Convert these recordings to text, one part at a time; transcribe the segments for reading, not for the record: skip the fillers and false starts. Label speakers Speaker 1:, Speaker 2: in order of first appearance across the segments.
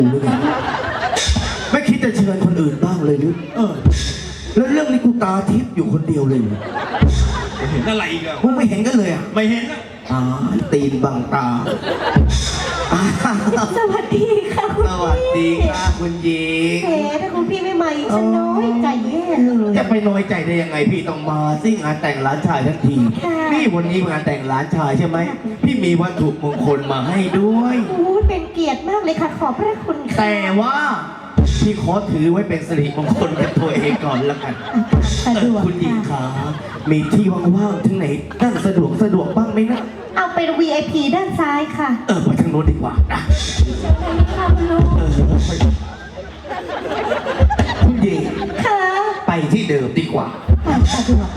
Speaker 1: ไม่คิดจะเชิญคนอื่นบ้างเลยหรือแล้วเรื่องนี้กูตาทิพย์อยู่คนเดียวเลย
Speaker 2: เห็นอะไรอีกอะ
Speaker 1: มึงไม่เห็นกันเลยอ่ะ
Speaker 2: ไม่เห็นอะ
Speaker 1: ตีนบังตา
Speaker 3: สวัสดีค่ะคุณ
Speaker 1: ส
Speaker 3: พี่
Speaker 1: วัสดีค่ะคุณหญิง
Speaker 3: แหมถ้าคุณพี่ไม่มาอีกฉันน้อยใจแย่เลย
Speaker 1: จะไปน้อยใจได้ยังไงพี่ต้องมาซิงานแต่งหลานชายทั้งที
Speaker 3: ค่ะ
Speaker 1: นี่วันนี้งานแต่งหลานชายใช่ไหมพี่มีวัตถุมงคลมาให้ด้วย
Speaker 3: โอ้ยเป็นเกียรติมากเลยค่ะขอบพระคุณค่ะ
Speaker 1: แต่ว่าพี่ขอถือไว้เป็นสิริมงคลกับตัวเองก่อนละกัน
Speaker 3: สะดวก
Speaker 1: คุณหญิง
Speaker 3: ค่ะ
Speaker 1: ขามีที่ว่างๆที่ไหนนั่งสะดวกบ้างไหมนะ
Speaker 3: เอาเป็น VIP ด้านซ้ายค่ะ
Speaker 1: ไปทางโน้นดีกว่านะ
Speaker 3: ค่ะคุณลุง
Speaker 1: คุณหญิง
Speaker 3: ค่ะ
Speaker 1: ไปที่เดิมดีกว่า
Speaker 3: สะดวก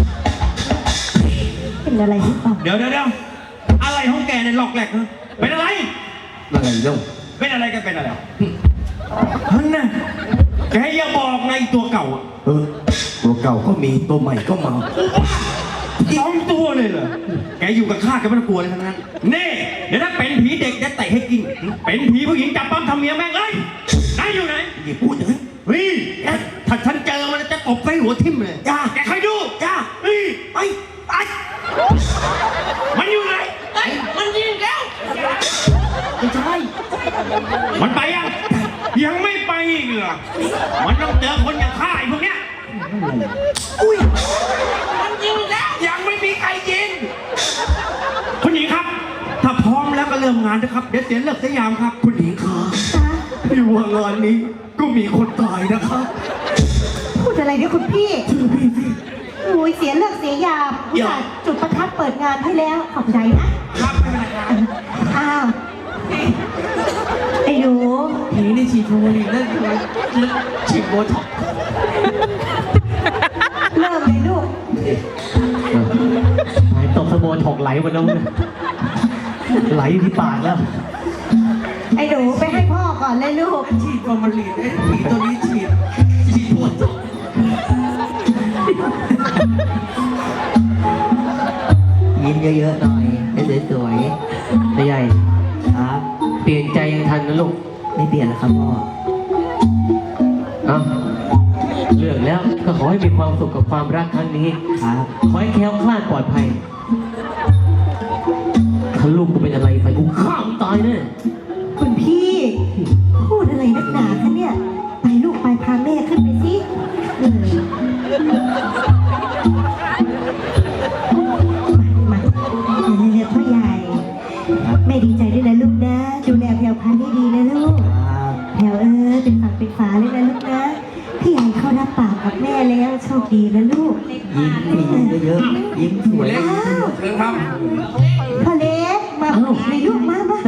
Speaker 3: เป็นอะไรหรือเปล่า
Speaker 2: เดี๋ยวอะไรของแกเนี่ยหลอกแหลกนะเป็นอะไร
Speaker 1: อะไรเล่า
Speaker 2: เป็นอะไรกันเป็นอะไรฮันน่ะแกอย่าบอกไงตัวเก่าอะ
Speaker 1: ตัวเก่าก็มีตัวใหม่ก็มา
Speaker 2: สองตัวเลยเหรอแกอยู่กับข้าแกไม่ต้องกลัวเลยทั้งนั้นนี่เดี๋ยวถ้าเป็นผีเด็กจะเตะให้กินเป็นผีผู้หญิงจับปั้มทำเมียแม่งเลยไหนอยู่ไหน
Speaker 1: อย่าพูดอย่างนั้น
Speaker 2: เฮ้ยถ้าฉันเจอมันจะตบไปหัวทิ่มเลย
Speaker 1: จ้า
Speaker 2: แกใครดู
Speaker 1: จ้า
Speaker 2: เฮ้ย
Speaker 1: ไปไป
Speaker 2: มันอยู่ไหนมันยิงแล้วไม่ใช่มันไปยังไม่ไปอีกเหรอมันต้องเจอคนอย่างข้าไอ้พวกเนี้ย
Speaker 1: อุ้ย
Speaker 2: มันยิงแล้วยังไม่มีใครยิงคุณหญิงครับ ถ้าพร้อมแล้วก็เริ่มงานนะครับเดี๋ยวเสียเลิกเสียยามครับ
Speaker 1: คุณหญิงขาพี่ว่างานนี้ก็มีคนตายนะครับ
Speaker 3: พูดอะไรเนี่ยคุณพี่
Speaker 1: ชื่อพี่สิ
Speaker 3: โอ้ยเสียเลิกเสียยามอุตส่าห์จุดประทัดเปิดงานให้แล้วขอบใจนะครับ
Speaker 2: ไม่เป็นไรครับ
Speaker 3: อ้าวไอ้หนู
Speaker 1: ผีในฉีดโฟลีนั่นคือฉีดโบท็อกซ์
Speaker 3: เริ่มเลยลูก
Speaker 4: หายตกสะโบนถกไหลหมดแล้วเนี่ยไหลอยู่ที่ปากแล้ว
Speaker 3: ไอ้หนูไปให้พ่อก่อนเลยลูก
Speaker 1: ฉีดฟอร์มาลีนไอ้ผีตัวนี้ฉีดโบท็อกซ์
Speaker 4: ยิ้มเยอะๆหน่อยให้สวยๆใหญ่ครับเปลี่ยนใจยังทันนะลูกไม่เปลี่ยนแล้วครับพ่อเอาเลือกแล้วก็ขอให้มีความสุขกับความรักครั้งนี้ครับขอให้แคล้วคลาดปลอดภัยถ้าลูกกูเป็นอะไรไปกูฆ่ามึงตายแน่
Speaker 3: คุณพี่ พูดอะไรนักหนาคะเนี่ย ไปลูกไปพาแม่ขึ้นไปสิมาเรียกพ่อใหญ่แม่ดีใจด้วยนะลูกนะ ดูแลแพรวพันธุ์ให้ดีนะลูกแพรวเป็นฝั่งเป็นฝาเลยนะลูกนะ พี่ใหญ่เขารับปากกับแม่แล้วโชคดีนะลูก
Speaker 4: ยิ้มเยอะๆยิ้มสวย
Speaker 3: อ้าว
Speaker 1: เชิญครับ
Speaker 3: พ่อเล็กมาเลยลูกมา